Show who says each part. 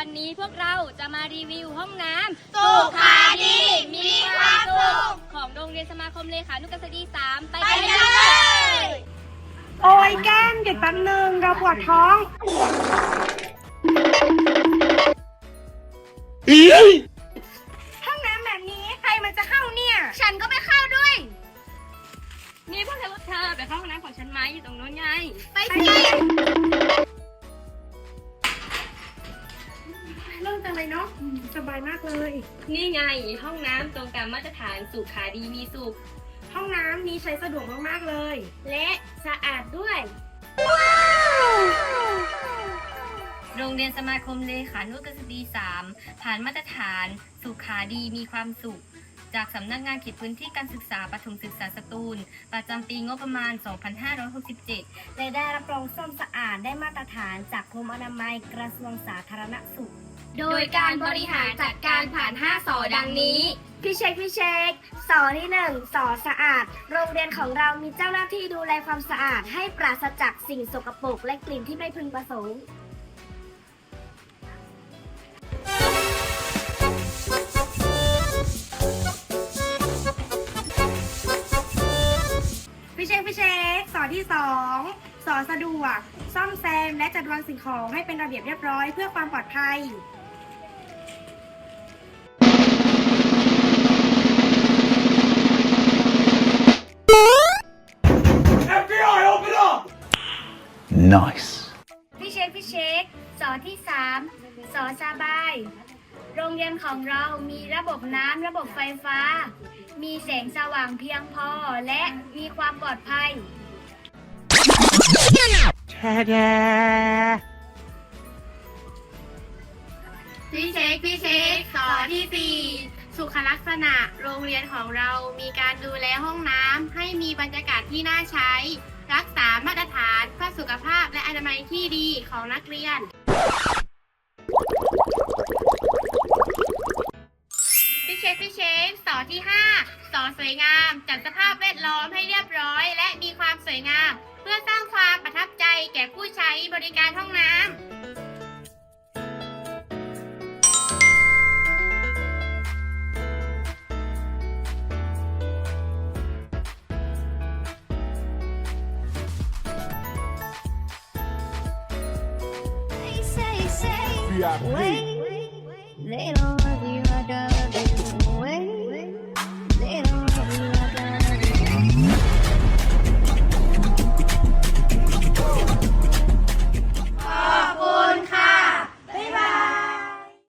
Speaker 1: วันนี้พวกเราจะมารีวิวห้องน้ำ
Speaker 2: สุขาดีมีความสุข
Speaker 1: ของโรงเรียนสมาคมเลขานุกษฎี3ไปกันเลย
Speaker 3: โอ้ยแก้มหยุดแป๊บนึงเราปวดท้องห้องน้ำแบบนี้ใครมันจะเข้าเนี่ย
Speaker 1: ฉันก็ไม่เข้าด้วยนี่พวกเธอไปเข้าห้องน้ำของฉันไหมอยู่ตรงโน้นไงไปสิ
Speaker 3: เริ่มจังเลยเนาะสบายมากเลย
Speaker 1: นี่ไงห้องน้ำตรงตามมาตรฐานสุขาดีมีสุข
Speaker 3: ห้องน้ำนี้ใช้สะดวกมากๆเลย
Speaker 1: และสะอาดด้วยโรงเรียนสมาคมเลขานุกษฎี3ผ่านมาตรฐานสุขาดีมีความสุขจากสำนักงานเขตพื้นที่การศึกษาประถมศึกษาสตูลประจำปีงบประมาณ 2567
Speaker 4: และได้รับรองส้มสะอาดได้มาตรฐานจากกรมอนามัยกระทรวงสาธารณสุข
Speaker 1: โดยการบริหารจัดการผ่าน5 สอดังนี้
Speaker 4: พี่เช็คสอที่ 1 สอสะอาด โรงเรียนของเรามีเจ้าหน้าที่ดูแลความสะอาดให้ปราศจากสิ่งสกปรกและกลิ่นที่ไม่พึงประสงค์
Speaker 3: พี่เช็คสอนที่2สอนสะดวกซ่อมแซมและจัดวางสิ่งของให้เป็นระเบียบเรียบร้อยเพื่อความปลอดภัย
Speaker 5: Nice.
Speaker 4: พี่เช็คสอที่ 3 สอสบาย โรงเรียนของเรามีระบบน้ำระบบไฟฟ้า มีแสงสว่างเพียงพอและมีความปลอดภัย
Speaker 2: พี่เช็คสอที่ 4 สุขลักษณะโรงเรียนของเรามีการดูแลห้องน้ำให้มีบรรยากาศที่น่าใช้ รักษามาตรฐานเพื่อสุขภาพและอนามัยที่ดีของนักเรียน พี่เช็คสอที่ 5 สอสวยงามจัดสภาพแวดล้อมให้เรียบร้อย และมีความสวยงาม เพื่อสร้างความประทับใจแก่ผู้ใช้บริการห้องน้ำ
Speaker 5: VIP.
Speaker 4: Wait, little